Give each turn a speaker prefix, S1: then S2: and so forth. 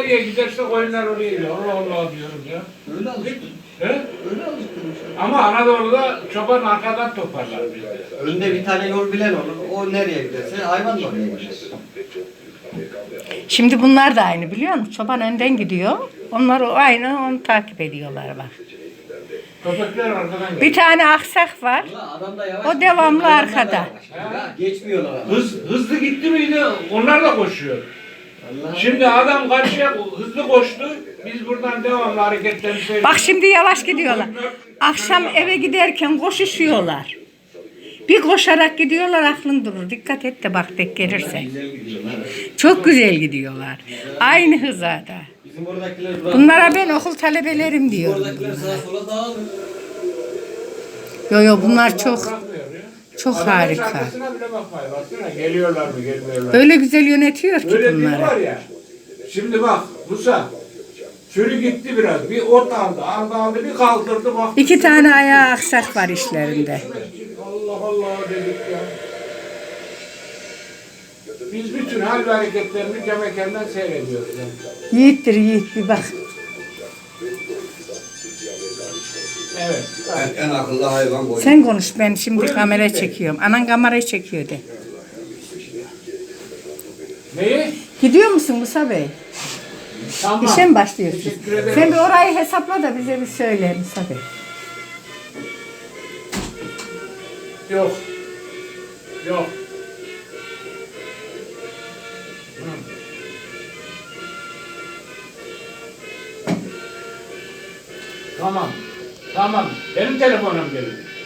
S1: nereye giderse koyunlar oraya gidiyor. Allah Allah diyorum ya.
S2: Öyle alıştım.
S1: He?
S2: Öyle alıştırmış.
S1: Ama Anadolu'da çoban arkadan toparlar bizde.
S2: Önde bir tane yol bilen olur. O nereye giderse hayvan da oraya gider.
S3: Şimdi bunlar da aynı biliyor musun? Çoban önden gidiyor. Onlar o aynı onu takip ediyorlar bak.
S1: Köpekler arkadan geliyor.
S3: Bir tane aksak var.
S2: Ulan adam da yavaş
S3: O
S2: gidiyor,
S3: devamlı
S2: hayvanlar da
S3: arkada.
S2: yavaş gidiyor. Ha, geçmiyorlar adam.
S1: Hızlı gitti miydi onlar da koşuyor.
S2: Allah.
S1: Şimdi adam karşıya hızlı koştu. Biz buradan devamlı hareketlerini seyrediyoruz.
S3: Bak şimdi yavaş gidiyorlar. Akşam eve giderken koşuşuyorlar. Bir koşarak gidiyorlar aklın durur. Dikkat et de bak denk gelirse.
S2: Güzel gidiyorlar.
S3: Çok güzel gidiyorlar. Aynı hızada.
S2: Bizim oradakiler bırak.
S3: Bunlara ben okul talebelerim diyorum.
S2: Oradakiler sağa sola dağılır.
S3: Yo yo bunlar çok
S1: Bırakmıyor ya.
S3: çok
S1: Adamın
S3: harika.
S1: şarkısına bile bakmayın. Baksana geliyorlar mı gelmiyorlar mı?
S3: Öyle güzel yönetiyor ki
S1: Öyle bir var
S3: bunları.
S1: ya. Şimdi bak Musa. Sürü gitti biraz. Bir ot aldı bir kaldırdı bak.
S3: 2 tane ayağı aksak var işlerinde.
S1: Allah Allah dedik ya. Biz bütün hal ve hareketlerini cam ekrandan seyrediyoruz. Yani.
S3: Yiğittir yiğit bir bak.
S1: Evet.
S4: En akıllı hayvan koyun.
S3: Sen konuş ben şimdi kamera çekiyorum. Anan kamerayı çekiyor de.
S1: Neyi?
S3: Gidiyor musun Musa Bey?
S1: Tamam.
S3: İşe mi başlıyorsun?
S1: Teşekkür ederim.
S3: Sen bir orayı hesapla da bize bir söyle Musa Bey.
S1: Yok. Yok. Hı. Tamam. Tamam. Benim telefonum geldi.